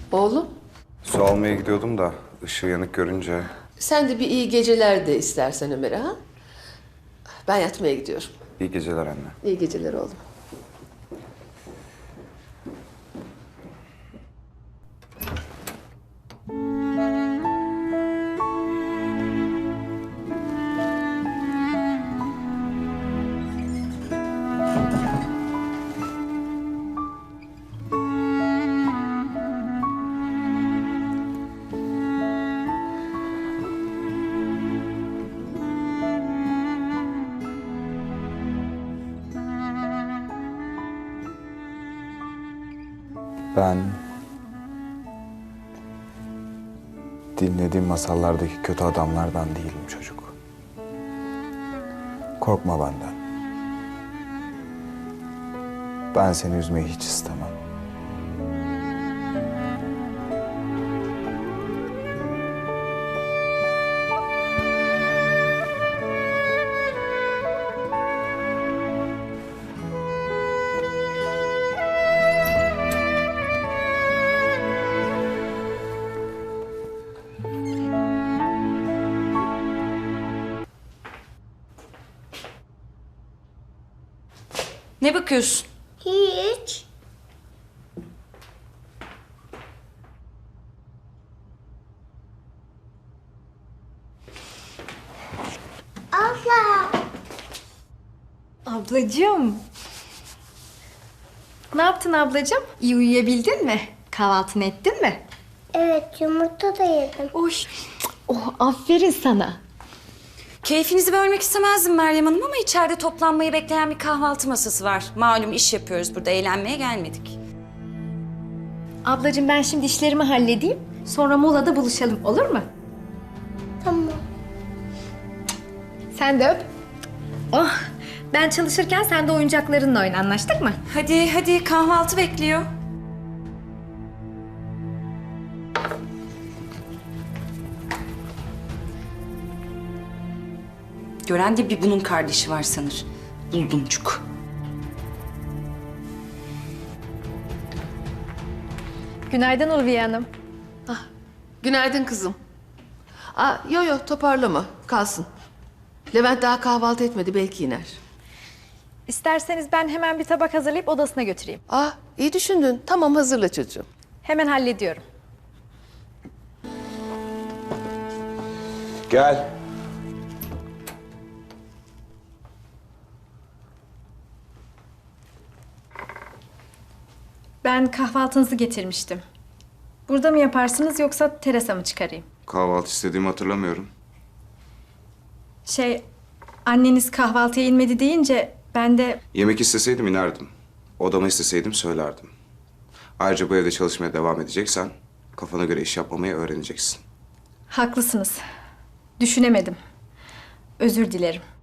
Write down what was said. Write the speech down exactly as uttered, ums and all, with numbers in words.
Oğlum, Su almaya gidiyordum da ışığı yanık görünce... sen de bir iyi geceler de istersen Ömer'e ha? Ben yatmaya gidiyorum. İyi geceler anne. İyi geceler oğlum. Ben... dinlediğim masallardaki kötü adamlardan değilim çocuk. Korkma benden. Ben seni üzmeyi hiç istemem. Ne bakıyorsun? Hiç. Abla. Ablacığım. Ne yaptın ablacığım? İyi uyuyabildin mi? Kahvaltını ettin mi? Evet, yumurta da yedim. Oy. Oh, aferin sana. Keyfinizi bölmek istemezdim Meryem Hanım ama içeride toplanmayı bekleyen bir kahvaltı masası var. Malum iş yapıyoruz burada, eğlenmeye gelmedik. Ablacığım ben şimdi işlerimi halledeyim. Sonra molada buluşalım, olur mu? Tamam. Sen de öp. Oh, ben çalışırken sen de oyuncaklarınla oyna, anlaştık mı? Hadi hadi, kahvaltı bekliyor. Gören de bir bunun kardeşi var sanır. Buldumcuk. Günaydın Ulviye Hanım. Günaydın kızım. Aa, yo yo toparlama, kalsın. Levent daha kahvaltı etmedi, belki iner. İsterseniz ben hemen bir tabak hazırlayıp odasına götüreyim. Aa, iyi düşündün. Tamam, hazırla çocuğum. Hemen hallediyorum. Gel. Ben kahvaltınızı getirmiştim. Burada mı yaparsınız yoksa terasa mı çıkarayım? Kahvaltı istediğimi hatırlamıyorum. Şey, anneniz kahvaltıya inmedi deyince ben de... Yemek isteseydim inerdim. Odama isteseydim söylerdim. Ayrıca bu evde çalışmaya devam edeceksen... kafana göre iş yapmamayı öğreneceksin. Haklısınız. Düşünemedim. Özür dilerim.